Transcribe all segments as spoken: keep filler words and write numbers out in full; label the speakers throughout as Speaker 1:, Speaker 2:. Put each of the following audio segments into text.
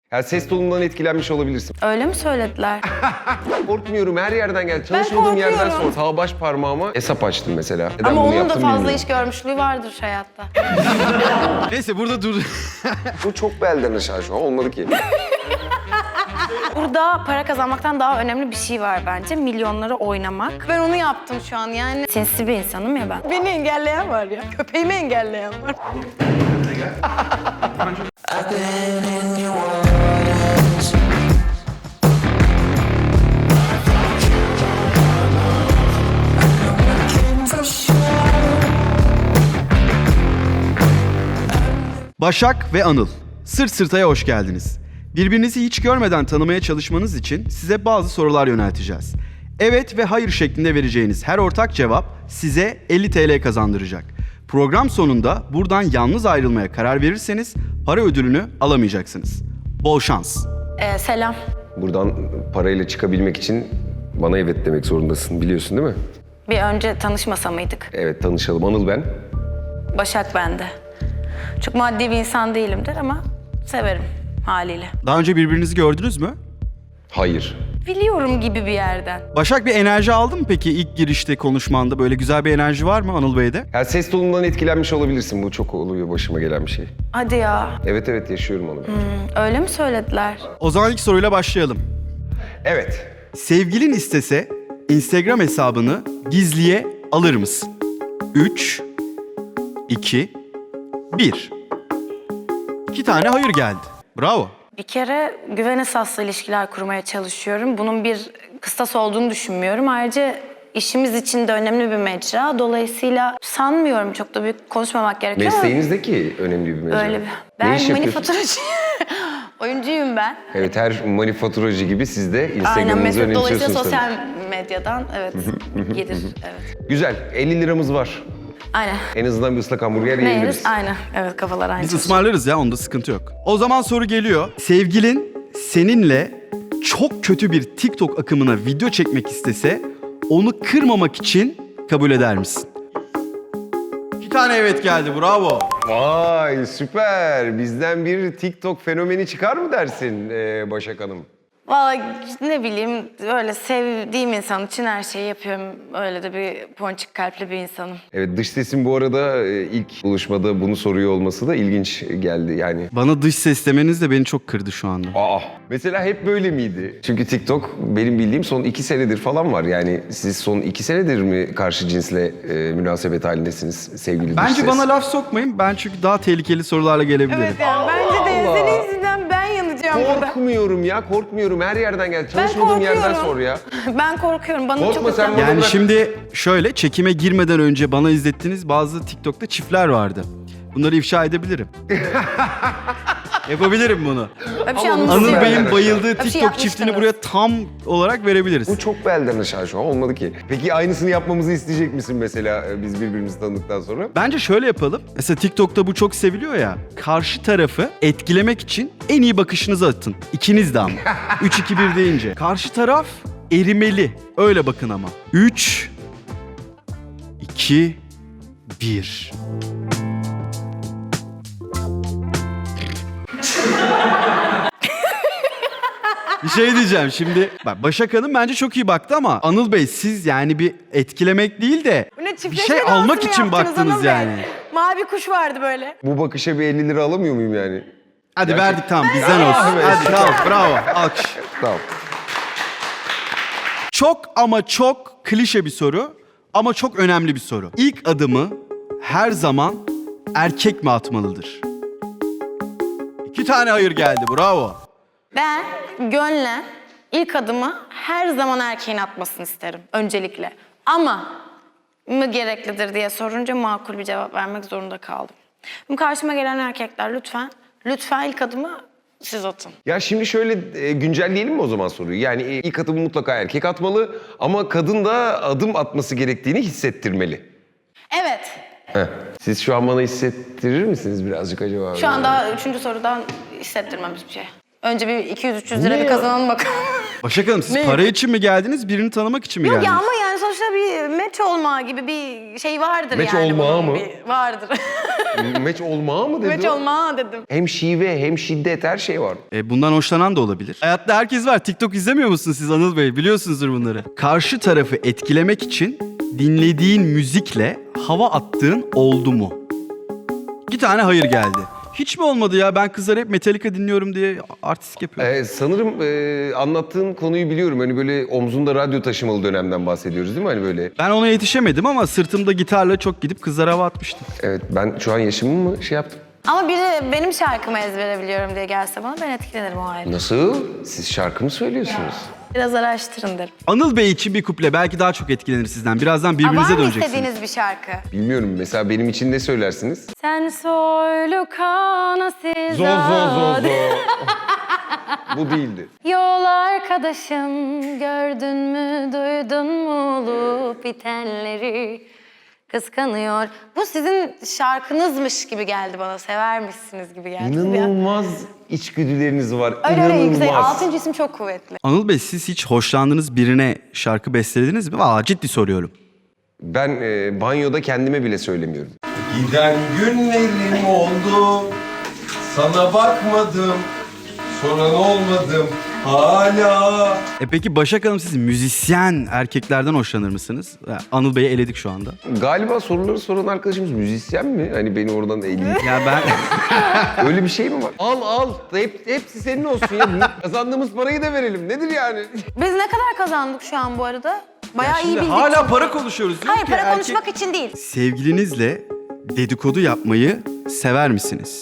Speaker 1: Ya ses tonundan etkilenmiş olabilirsin.
Speaker 2: Öyle mi söylediler?
Speaker 1: Korkmuyorum, her yerden geldi. Çalışmadığım yerden sonra sağ baş parmağıma hesap açtım mesela. Neden
Speaker 2: Ama
Speaker 1: bunu
Speaker 2: onun da
Speaker 1: yaptım
Speaker 2: fazla
Speaker 1: bilmiyorum.
Speaker 2: iş görmüşlüğü vardır hayatta.
Speaker 3: Neyse burada dur.
Speaker 1: Bu çok belden aşağı şu an, olmadı ki.
Speaker 2: Burada para kazanmaktan daha önemli bir şey var bence. Milyonları oynamak. Ben onu yaptım şu an yani. Sinsi bir insanım ya ben. Beni engelleyen var ya. Köpeğimi engelleyen var.
Speaker 3: Başak ve Anıl, Sırt Sırta'ya hoş geldiniz. Birbirinizi hiç görmeden tanımaya çalışmanız için size bazı sorular yönelteceğiz. Evet ve hayır şeklinde vereceğiniz her ortak cevap size elli TL kazandıracak. Program sonunda buradan yalnız ayrılmaya karar verirseniz para ödülünü alamayacaksınız. Bol şans.
Speaker 2: Ee, selam.
Speaker 1: Buradan parayla çıkabilmek için bana evet demek zorundasın, biliyorsun değil mi?
Speaker 2: Bir önce tanışmasa mıydık?
Speaker 1: Evet, tanışalım. Anıl ben.
Speaker 2: Başak bende. Çok maddi bir insan değilimdir ama severim haliyle.
Speaker 3: Daha önce birbirinizi gördünüz mü?
Speaker 1: Hayır.
Speaker 2: Biliyorum gibi bir yerden.
Speaker 3: Başak bir enerji aldın mı peki ilk girişte konuşmanda? Böyle güzel bir enerji var mı Anıl Bey'de?
Speaker 1: Ya ses tonundan etkilenmiş olabilirsin. Bu çok oluyor, başıma gelen bir şey.
Speaker 2: Hadi ya.
Speaker 1: Evet evet, yaşıyorum onu. ben.
Speaker 2: Öyle mi söylediler?
Speaker 3: O zaman ilk soruyla başlayalım.
Speaker 1: Evet.
Speaker 3: Sevgilin istese Instagram hesabını gizliye alır mısın? üç, iki, bir. İki tane hayır geldi. Bravo.
Speaker 2: Bir kere güven esaslı ilişkiler kurmaya çalışıyorum. Bunun bir kıstas olduğunu düşünmüyorum. Ayrıca işimiz için de önemli bir mecra. Dolayısıyla sanmıyorum, çok da büyük konuşmamak gerekiyor ama
Speaker 1: Mesleğinizdeki önemli bir mecra.
Speaker 2: öyle bir...
Speaker 1: Ne
Speaker 2: Ben
Speaker 1: iş yapıyorsun?
Speaker 2: manifaturacı. Oyuncuyum ben.
Speaker 1: Evet, her manifaturacı gibi siz de
Speaker 2: Aynen,
Speaker 1: Instagram'ınızı
Speaker 2: meslek
Speaker 1: önemsiyorsunuz
Speaker 2: dolayısıyla
Speaker 1: tabii.
Speaker 2: sosyal medyadan evet gelir. Evet.
Speaker 1: Güzel, elli liramız var.
Speaker 2: Aynen.
Speaker 1: En azından bir ıslak hamburger
Speaker 2: Ne
Speaker 1: yiyebiliriz.
Speaker 2: yeriz? Aynen. Evet, kafalar aynı.
Speaker 3: Biz ısmarlarız ya, onda sıkıntı yok. O zaman soru geliyor. Sevgilin seninle çok kötü bir TikTok akımına video çekmek istese onu kırmamak için kabul eder misin? İki tane evet geldi, bravo.
Speaker 1: Vay süper. Bizden bir TikTok fenomeni çıkar mı dersin ee, Başak Hanım?
Speaker 2: Vallahi ne bileyim, öyle sevdiğim insan için her şeyi yapıyorum. Öyle de bir ponçik kalpli bir insanım.
Speaker 1: Evet, dış sesin bu arada e, ilk buluşmada bunu soruyor olması da ilginç geldi yani.
Speaker 3: Bana dış ses demeniz de beni çok kırdı şu anda.
Speaker 1: Aa, mesela hep böyle miydi? Çünkü TikTok benim bildiğim son iki senedir falan var. Yani siz son iki senedir mi karşı cinsle e, münasebet halindesiniz sevgili dış
Speaker 3: Bence
Speaker 1: ses?
Speaker 3: bana laf sokmayın. Ben çünkü daha tehlikeli sorularla gelebilirim.
Speaker 2: Evet yani bence de
Speaker 1: Allah.
Speaker 2: senin yüzünden ben yanacağım burada.
Speaker 1: Korkmuyorum ya, korkmuyorum. Her yerden geldi. Çalışmadığım yerden
Speaker 2: korkuyorum.
Speaker 1: sor ya.
Speaker 2: Ben korkuyorum. Bana
Speaker 1: Korkma
Speaker 2: çok
Speaker 1: sen
Speaker 2: utanma.
Speaker 1: bana-
Speaker 3: Yani
Speaker 1: bırak.
Speaker 3: şimdi şöyle, çekime girmeden önce bana izlettiğiniz bazı TikTok'ta çiftler vardı. Bunları ifşa edebilirim. Yapabilirim bunu.
Speaker 2: Öyle bir şey
Speaker 1: Ama
Speaker 3: Anıl
Speaker 2: anlatıyor.
Speaker 3: Bey'in
Speaker 1: aşağı.
Speaker 3: bayıldığı
Speaker 2: Bir şey
Speaker 3: TikTok
Speaker 2: yapmıştınız.
Speaker 3: çiftini buraya tam olarak verebiliriz.
Speaker 1: Bu çok belden aşağı şu an, olmadı ki. Peki aynısını yapmamızı isteyecek misin mesela e, biz birbirimizi tanıdıktan sonra?
Speaker 3: Bence şöyle yapalım. Mesela TikTok'ta bu çok seviliyor ya. Karşı tarafı etkilemek için en iyi bakışınızı atın. İkiniz de ama. üç iki bir deyince. Karşı taraf erimeli. Öyle bakın ama. üç iki bir. Bir şey diyeceğim şimdi. Bak, Başak Hanım bence çok iyi baktı ama Anıl Bey siz yani bir etkilemek değil de
Speaker 2: Bu ne,
Speaker 3: bir
Speaker 2: çiftleşme
Speaker 3: şey
Speaker 2: dansı
Speaker 3: almak
Speaker 2: mı
Speaker 3: için
Speaker 2: yaptınız
Speaker 3: baktınız
Speaker 2: Anıl Bey?
Speaker 3: yani.
Speaker 2: Mavi kuş vardı böyle.
Speaker 1: Bu bakışa bir elli lira alamıyor muyum yani?
Speaker 3: Hadi
Speaker 1: Gerçek-
Speaker 3: verdik, tamam, bizden olsun.
Speaker 1: Evet.
Speaker 3: Hadi tamam, bravo, alkış.
Speaker 1: Tamam.
Speaker 3: Çok ama çok klişe bir soru ama çok önemli bir soru. İlk adımı her zaman erkek mi atmalıdır? İki tane hayır geldi, bravo.
Speaker 2: Ben gönlen ilk adımı her zaman erkeğin atmasını isterim öncelikle. Ama mı gereklidir diye sorunca makul bir cevap vermek zorunda kaldım. Şimdi karşıma gelen erkekler lütfen, lütfen ilk adımı siz atın.
Speaker 1: Ya şimdi şöyle e, güncelleyelim mi o zaman soruyu? Yani e, ilk adımı mutlaka erkek atmalı ama kadın da adım atması gerektiğini hissettirmeli.
Speaker 2: Evet,
Speaker 1: Heh. Siz şu an bana hissettirir misiniz birazcık acaba?
Speaker 2: şu an daha üçüncü sorudan hissettirmem hiçbir şey. Önce bir iki yüz üç yüz lira
Speaker 1: Ne
Speaker 2: bir
Speaker 1: ya?
Speaker 2: kazanalım bakalım.
Speaker 3: Başak Hanım siz
Speaker 2: Ne?
Speaker 3: para için mi geldiniz, birini tanımak için mi
Speaker 2: Yok
Speaker 3: geldiniz?
Speaker 2: ya ama yani sonuçta bir meç olma gibi bir şey vardır
Speaker 1: Meç
Speaker 2: yani.
Speaker 1: olma
Speaker 2: bunun
Speaker 1: mı?
Speaker 2: bir- vardır.
Speaker 1: Meç olma mı dedi
Speaker 2: meç
Speaker 1: o?
Speaker 2: olma dedim.
Speaker 1: Hem şive hem şiddet her şey var.
Speaker 3: E, bundan hoşlanan da olabilir. Hayatta herkes var. TikTok izlemiyor musunuz siz Anıl Bey? Biliyorsunuzdur bunları. Karşı tarafı etkilemek için dinlediğin müzikle hava attığın oldu mu? İki tane hayır geldi. Hiç mi olmadı ya? Ben kızlar hep Metallica dinliyorum diye artistik yapıyorum.
Speaker 1: Ee, sanırım e, anlattığın konuyu biliyorum. Hani böyle omzunda radyo taşımalı dönemden bahsediyoruz değil mi? Hani böyle.
Speaker 3: Ben ona yetişemedim ama sırtımda gitarla çok gidip kızlara hava atmıştım.
Speaker 1: Evet, ben şu an yaşımı mı şey yaptım?
Speaker 2: Ama biri benim şarkımı ezbere biliyorum diye gelse bana ben etkilenirim o ayrı.
Speaker 1: Nasıl? Siz şarkı mı söylüyorsunuz?
Speaker 2: Biraz araştırın derim.
Speaker 3: Anıl Bey için bir kuple belki daha çok etkilenir sizden. Birazdan
Speaker 2: Aa,
Speaker 3: birbirinize
Speaker 2: var mı
Speaker 3: döneceksiniz.
Speaker 2: istediğiniz bir şarkı?
Speaker 1: Bilmiyorum. Mesela benim için ne söylersiniz?
Speaker 2: Sen soylu kanasız
Speaker 1: Zo zo zo zo. Bu değildi.
Speaker 2: Yol arkadaşım gördün mü duydun mu olup bitenleri kıskanıyor. Bu sizin şarkınızmış gibi geldi bana. Severmişsiniz gibi geldi.
Speaker 1: İnanılmaz içgüdüleriniz var.
Speaker 2: Öyle öyle
Speaker 1: İnanılmaz.
Speaker 2: yüksek. Altıncı isim çok kuvvetli.
Speaker 3: Anıl Bey siz hiç hoşlandığınız birine şarkı bestelediniz mi? Valla ciddi soruyorum.
Speaker 1: Ben e, banyoda kendime bile söylemiyorum.
Speaker 4: Giden günlerim oldu, sana bakmadım, soran olmadım hala.
Speaker 3: E peki Başak Hanım siz müzisyen erkeklerden hoşlanır mısınız? Ha, Anıl Bey'i eledik şu anda.
Speaker 1: Galiba soruları soran arkadaşımız müzisyen mi? Hani beni oradan eleyip.
Speaker 3: Ya ben...
Speaker 1: Öyle bir şey mi var? Al al. Hep, hepsi senin olsun ya. Kazandığımız parayı da verelim. Nedir yani?
Speaker 2: Biz ne kadar kazandık şu an bu arada? Bayağı iyi
Speaker 3: Şimdi
Speaker 2: bildik.
Speaker 3: hala para konuşuyoruz. Diyor
Speaker 2: Hayır
Speaker 3: ki
Speaker 2: para
Speaker 3: erkek-
Speaker 2: konuşmak için değil.
Speaker 3: Sevgilinizle dedikodu yapmayı sever misiniz?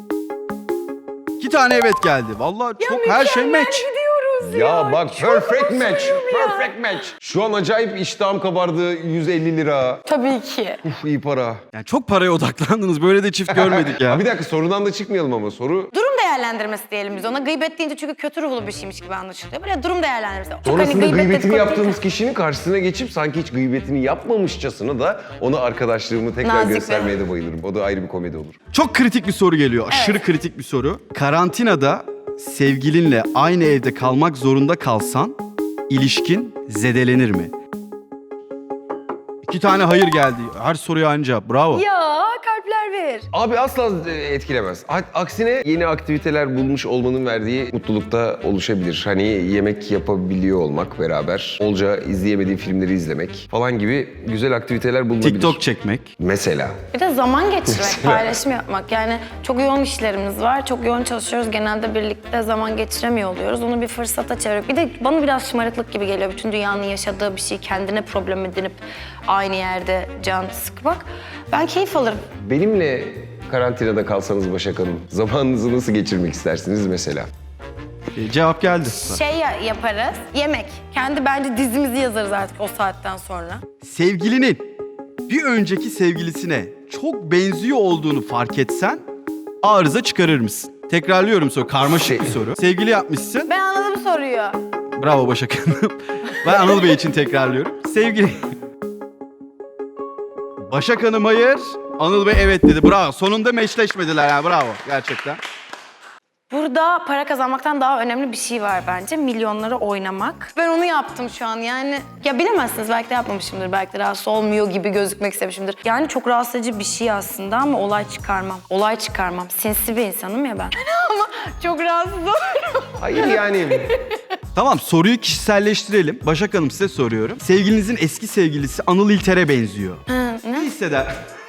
Speaker 3: İki tane evet geldi. Vallahi çok her şey
Speaker 2: mükemmel
Speaker 3: match.
Speaker 2: gidiyoruz
Speaker 1: Ya bak
Speaker 2: Çok
Speaker 1: perfect match.
Speaker 2: hoşlanıyorum ya.
Speaker 1: Perfect match. Şu an acayip iştahım kabardı. yüz elli lira.
Speaker 2: Tabii ki.
Speaker 1: Uf iyi para.
Speaker 3: Yani çok paraya odaklandınız. Böyle de çift görmedik ya.
Speaker 1: Ha, bir dakika sorudan da çıkmayalım ama soru.
Speaker 2: Durum değerlendirmesi diyelim biz ona. Gıybet deyince çünkü kötü ruhlu bir şeymiş gibi anlaşılıyor. Böyle durum değerlendirmesi. Çok
Speaker 1: Sonrasında
Speaker 2: hani gıybet
Speaker 1: gıybetini
Speaker 2: dedikodu
Speaker 1: yaptığımız
Speaker 2: değil.
Speaker 1: kişinin karşısına geçip sanki hiç gıybetini yapmamışçasına da ona arkadaşlığımı tekrar
Speaker 2: Nazik
Speaker 1: göstermeye de bayılırım. O da ayrı bir komedi olur.
Speaker 3: Çok kritik bir soru geliyor. Aşırı kritik bir soru. Karantinada sevgilinle aynı evde kalmak zorunda kalsan ilişkin zedelenir mi? İki tane hayır geldi. Her soruya aynı cevap. Bravo.
Speaker 2: Ya kalpler ver.
Speaker 1: Abi asla e, etkilemez. A- Aksine yeni aktiviteler bulmuş olmanın verdiği mutluluk da oluşabilir. Hani yemek yapabiliyor olmak beraber, olca izleyemediği filmleri izlemek falan gibi güzel aktiviteler bulunabilir.
Speaker 3: TikTok çekmek.
Speaker 1: Mesela.
Speaker 2: Bir de zaman geçirmek, paylaşım yapmak. Yani çok yoğun işlerimiz var, çok yoğun çalışıyoruz. Genelde birlikte zaman geçiremiyor oluyoruz. Onu bir fırsata çevirip. Bir de bana biraz şımarıklık gibi geliyor. Bütün dünyanın yaşadığı bir şey kendine problem edinip aynı yerde can sıkmak. Ben keyif alırım.
Speaker 1: Benimle karantinada kalsanız Başak Hanım, zamanınızı nasıl geçirmek istersiniz mesela?
Speaker 3: E, cevap geldi.
Speaker 2: Şey ya- yaparız, yemek. Kendi bence dizimizi yazarız artık o saatten sonra.
Speaker 3: Sevgilinin bir önceki sevgilisine çok benziyor olduğunu fark etsen arıza çıkarır mısın? Tekrarlıyorum soru. Karmaşık
Speaker 1: Şey-
Speaker 3: bir soru. Sevgili yapmışsın.
Speaker 2: Ben anladım soruyu.
Speaker 3: Bravo Başak Hanım. Ben Anıl Bey için tekrarlıyorum. Sevgili... Başak Hanım hayır. Anıl Bey evet dedi. Bravo. Sonunda meşleşmediler ha. Bravo. Gerçekten.
Speaker 2: Burada para kazanmaktan daha önemli bir şey var bence. Milyonları oynamak. Ben onu yaptım şu an yani. Ya bilemezsiniz belki de yapmamışımdır. Belki de rahatsız olmuyor gibi gözükmek istemişimdir. Yani çok rahatsız edici bir şey aslında ama olay çıkarmam. Olay çıkarmam. Sinsi bir insanım ya ben. Ama çok rahatsız oluyorum.
Speaker 1: Hayır yani.
Speaker 3: Tamam soruyu kişiselleştirelim. Başak Hanım size soruyorum. Sevgilinizin eski sevgilisi Anıl İlter'e benziyor.
Speaker 2: Hı,
Speaker 3: Ne
Speaker 2: ne?
Speaker 3: hisseder?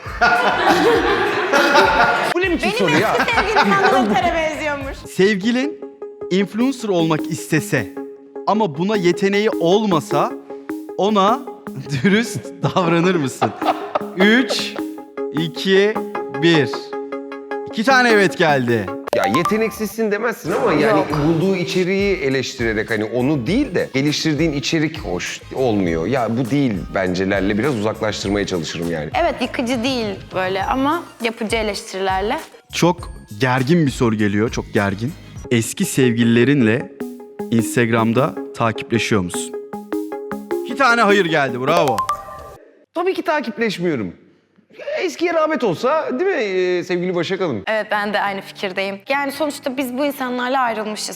Speaker 1: Bu ne biçim
Speaker 2: Benim
Speaker 1: soru ya?
Speaker 2: eski sevgilim Anadolu Tere benziyormuş.
Speaker 3: Sevgilin influencer olmak istese ama buna yeteneği olmasa ona dürüst davranır mısın? Üç, iki, bir. İki tane evet geldi.
Speaker 1: Ya yeteneksizsin demezsin ama yani
Speaker 2: Yok.
Speaker 1: bulduğu içeriği eleştirerek hani onu değil de geliştirdiğin içerik hoş olmuyor. Ya bu değil bencelerle biraz uzaklaştırmaya çalışırım yani.
Speaker 2: Evet yıkıcı değil böyle ama yapıcı eleştirilerle.
Speaker 3: Çok gergin bir soru geliyor, çok gergin. Eski sevgililerinle Instagram'da takipleşiyor musun? İki tane hayır geldi, bravo.
Speaker 1: Tabii ki takipleşmiyorum. Eskiye rağbet olsa değil mi ee, sevgili Başak Hanım?
Speaker 2: Evet ben de aynı fikirdeyim. Yani sonuçta biz bu insanlarla ayrılmışız.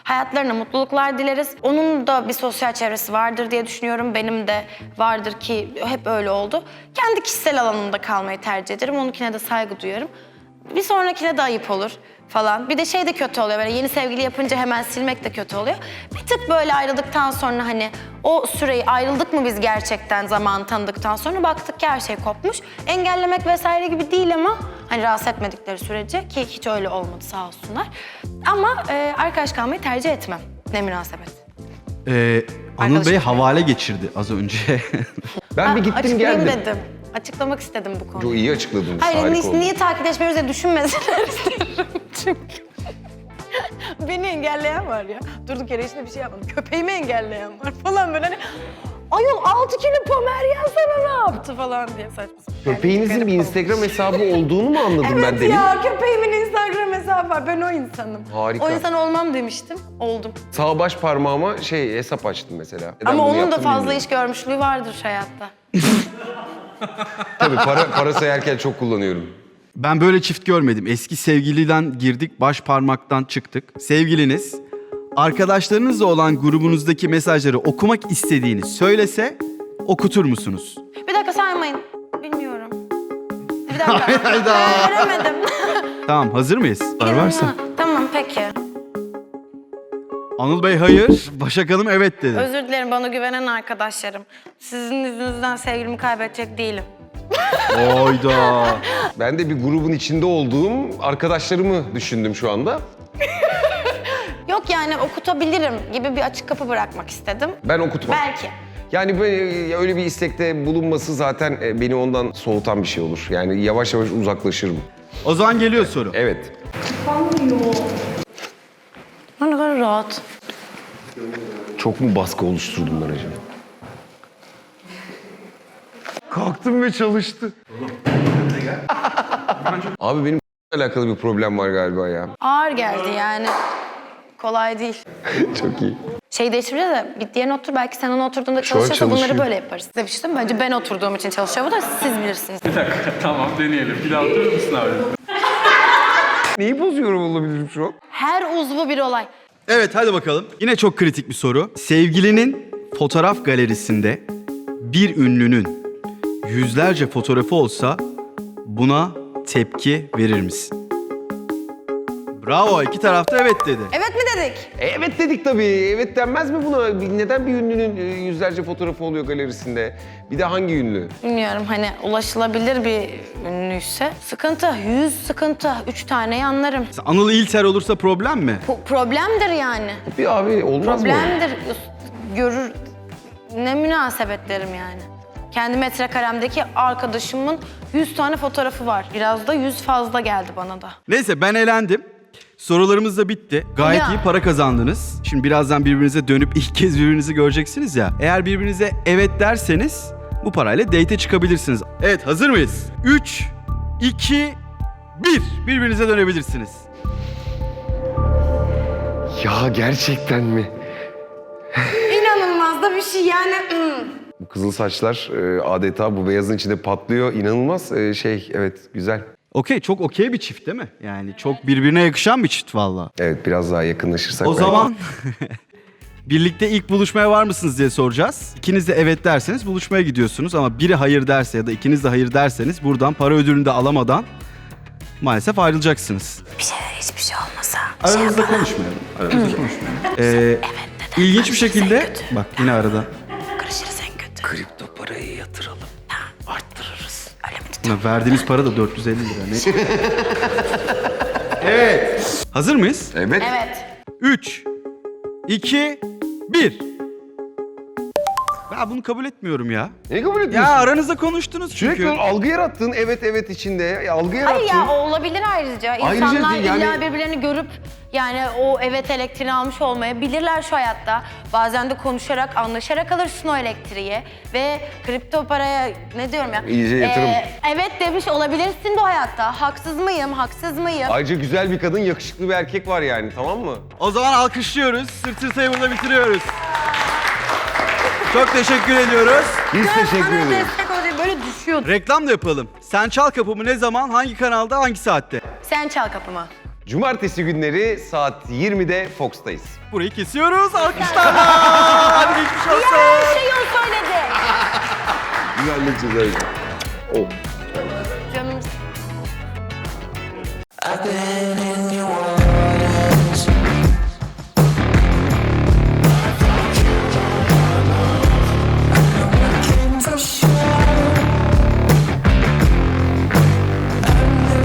Speaker 2: Hayatlarına mutluluklar dileriz. Onun da bir sosyal çevresi vardır diye düşünüyorum. Benim de vardır ki hep öyle oldu. Kendi kişisel alanımda kalmayı tercih ederim. Onunkine de saygı duyarım. Bir sonrakine de ayıp olur falan. Bir de şey de kötü oluyor, böyle yeni sevgili yapınca hemen silmek de kötü oluyor. Bir tık böyle ayrıldıktan sonra hani o süreyi, ayrıldık mı biz gerçekten zamanı tanıdıktan sonra baktık ki her şey kopmuş. Engellemek vesaire gibi değil ama hani rahatsız etmedikleri sürece, ki hiç öyle olmadı sağ olsunlar. Ama e, arkadaş kalmayı tercih etmem. Ne münasebet.
Speaker 3: Ee, Anıl
Speaker 2: Arkadaşım
Speaker 3: Bey
Speaker 2: ya.
Speaker 3: havale geçirdi az önce.
Speaker 1: Ben bir
Speaker 2: Ha,
Speaker 1: gittim
Speaker 2: açıklayayım
Speaker 1: geldim.
Speaker 2: dedim. Açıklamak istedim bu konuyu.
Speaker 1: Çok iyi açıkladınız.
Speaker 2: Hayır,
Speaker 1: harika
Speaker 2: ni-
Speaker 1: oldu.
Speaker 2: niye takipleşmiyoruz diye düşünmesinler isterim çünkü. Beni engelleyen var ya. Durduk yere içinde bir şey yapmadım. Köpeğimi engelleyen var falan böyle hani... Ayol altı kilo pomeryan sana ne yaptı falan diye saçma sapan.
Speaker 1: Köpeğinizin bir
Speaker 2: Garip
Speaker 1: Instagram hesabı olduğunu mu anladım
Speaker 2: Evet
Speaker 1: ben demin?
Speaker 2: ya, köpeğimin Instagram hesabı var. Ben o insanım.
Speaker 1: Harika.
Speaker 2: O insan olmam demiştim. Oldum.
Speaker 1: Sağ baş parmağıma şey hesap açtım mesela. Neden
Speaker 2: Ama
Speaker 1: bunu
Speaker 2: onun da
Speaker 1: yaptım
Speaker 2: fazla
Speaker 1: bilmiyorum.
Speaker 2: iş görmüşlüğü vardır hayatta.
Speaker 1: Tabii para, para sayarken çok kullanıyorum.
Speaker 3: Ben böyle çift görmedim. Eski sevgiliden girdik, baş parmaktan çıktık. Sevgiliniz, arkadaşlarınızla olan grubunuzdaki mesajları okumak istediğini söylese okutur musunuz?
Speaker 2: Bir dakika saymayın. Bilmiyorum. Bir dakika.
Speaker 3: Hayda.
Speaker 2: Göremedim.
Speaker 3: Tamam, hazır mıyız? Var varsa.
Speaker 2: Ha, Tamam peki.
Speaker 3: Anıl Bey hayır, Başak Hanım evet dedi.
Speaker 2: Özür dilerim bana güvenen arkadaşlarım. Sizin yüzünüzden sevgilimi kaybedecek değilim.
Speaker 3: Oyda.
Speaker 1: Ben de bir grubun içinde olduğum arkadaşlarımı düşündüm şu anda.
Speaker 2: Yok yani okutabilirim gibi bir açık kapı bırakmak istedim.
Speaker 1: Ben okutmam.
Speaker 2: Belki.
Speaker 1: Yani böyle, öyle bir istekte bulunması zaten e, beni ondan soğutan bir şey olur. Yani yavaş yavaş uzaklaşırım.
Speaker 3: O zaman geliyor soru.
Speaker 1: Evet.
Speaker 2: Ne kadar rahat.
Speaker 1: Çok mu baskı oluşturdum ben acaba? Kalktım ve çalıştı. Abi benim alakalı bir problem var galiba ya.
Speaker 2: Ağır geldi yani. Kolay değil.
Speaker 1: Çok iyi.
Speaker 2: Şey değiştireceğiz de bir diğerine otur, belki sen ona oturduğunda
Speaker 1: Şu an
Speaker 2: çalışırsa bunları
Speaker 1: çalışıyor.
Speaker 2: böyle yaparız. Size bir şey söyleyeyim mi? Bence ben oturduğum için çalışıyor bu da, siz bilirsiniz.
Speaker 5: Bir dakika, tamam deneyelim. Bir daha oturur musun abi?
Speaker 1: Neyi bozuyorum olabilirim şu an?
Speaker 2: Her uzvu bir olay.
Speaker 3: Evet hadi bakalım. Yine çok kritik bir soru. Sevgilinin fotoğraf galerisinde bir ünlünün yüzlerce fotoğrafı olsa buna tepki verir misin? Bravo, iki tarafta evet dedi.
Speaker 2: Evet mi dedik?
Speaker 1: E, Evet dedik tabii. Evet denmez mi buna? Bir- Neden bir ünlünün e, yüzlerce fotoğrafı oluyor galerisinde? Bir de hangi ünlü?
Speaker 2: Bilmiyorum, hani ulaşılabilir bir ünlüyse sıkıntı, yüz sıkıntı, üç taneyi anlarım.
Speaker 3: Anıl İlter olursa problem mi?
Speaker 2: Bu problemdir yani.
Speaker 1: Bir abi olmaz mı?
Speaker 2: Problemdir. Görür, ne münasebetlerim yani. Kendi metrekaremdeki arkadaşımın yüz tane fotoğrafı var. Biraz da yüz fazla geldi bana da.
Speaker 3: Neyse ben elendim. Sorularımız da bitti. Gayet
Speaker 2: Ya.
Speaker 3: iyi para kazandınız. Şimdi birazdan birbirinize dönüp ilk kez birbirinizi göreceksiniz ya. Eğer birbirinize evet derseniz bu parayla date'e çıkabilirsiniz. Evet, hazır mıyız? üç, iki, bir. Birbirinize dönebilirsiniz.
Speaker 1: Ya gerçekten mi?
Speaker 2: İnanılmaz da bir şey yani.
Speaker 1: Bu kızıl saçlar e, adeta bu beyazın içinde patlıyor. İnanılmaz e, şey, evet güzel.
Speaker 3: Okey, çok okey bir çift değil mi? Yani çok birbirine yakışan bir çift valla.
Speaker 1: Evet biraz daha yakınlaşırsak.
Speaker 3: O
Speaker 1: belki.
Speaker 3: zaman birlikte ilk buluşmaya var mısınız diye soracağız. İkiniz de evet derseniz buluşmaya gidiyorsunuz ama biri hayır derse ya da ikiniz de hayır derseniz buradan para ödülünü de alamadan maalesef ayrılacaksınız.
Speaker 2: Bir şeyler hiçbir şey olmasa.
Speaker 3: Aranızda konuşmayalım. Aranızda konuşmayalım. Ee, ilginç bir şekilde bak yine arada.
Speaker 2: Karışırız en kötü.
Speaker 1: Kripto parayı yatıralım.
Speaker 2: Arttırırız. Öyle mi?
Speaker 3: Ya verdiğimiz para da dört yüz elli lira. Ne? Evet. Hazır mıyız?
Speaker 1: Evet.
Speaker 2: Evet.
Speaker 3: üç, iki, bir. Ben bunu kabul etmiyorum ya.
Speaker 1: Ne kabul
Speaker 3: Ya
Speaker 1: ediyorsun?
Speaker 3: aranızda konuştunuz çünkü.
Speaker 1: Sürekli algı yarattın. Evet evet içinde. Ya, algı yarattın.
Speaker 2: Hayır ya, o olabilir ayrıca.
Speaker 1: Ayrıca
Speaker 2: İnsanlar
Speaker 1: değil, yani-
Speaker 2: illa birbirlerini görüp yani o evet elektriğini almış olmayabilirler şu hayatta. Bazen de konuşarak, anlaşarak alırsın o elektriği. Ve kripto paraya ne diyorum ya?
Speaker 1: İyice yatırım.
Speaker 2: Ee, evet demiş olabilirsin bu hayatta. Haksız mıyım, haksız mıyım?
Speaker 1: Ayrıca güzel bir kadın, yakışıklı bir erkek var yani, tamam mı?
Speaker 3: O zaman alkışlıyoruz. Sırt sırtayı burada bitiriyoruz. Çok teşekkür ediyoruz.
Speaker 1: Biz teşekkür
Speaker 2: Bana
Speaker 1: ederiz.
Speaker 2: destek olacak, böyle düşüyordu.
Speaker 3: Reklam da yapalım. Sen Çal Kapımı ne zaman, hangi kanalda, hangi saatte?
Speaker 2: Sen çal kapımı.
Speaker 1: Cumartesi günleri saat yirmide Fox'tayız.
Speaker 3: Burayı kesiyoruz. Alkışlarla. Hadi geçmiş olsun.
Speaker 2: Her şeyi o söyledi.
Speaker 1: Biz halledeceğiz öyle. Oh.
Speaker 2: Canım
Speaker 6: I've been in your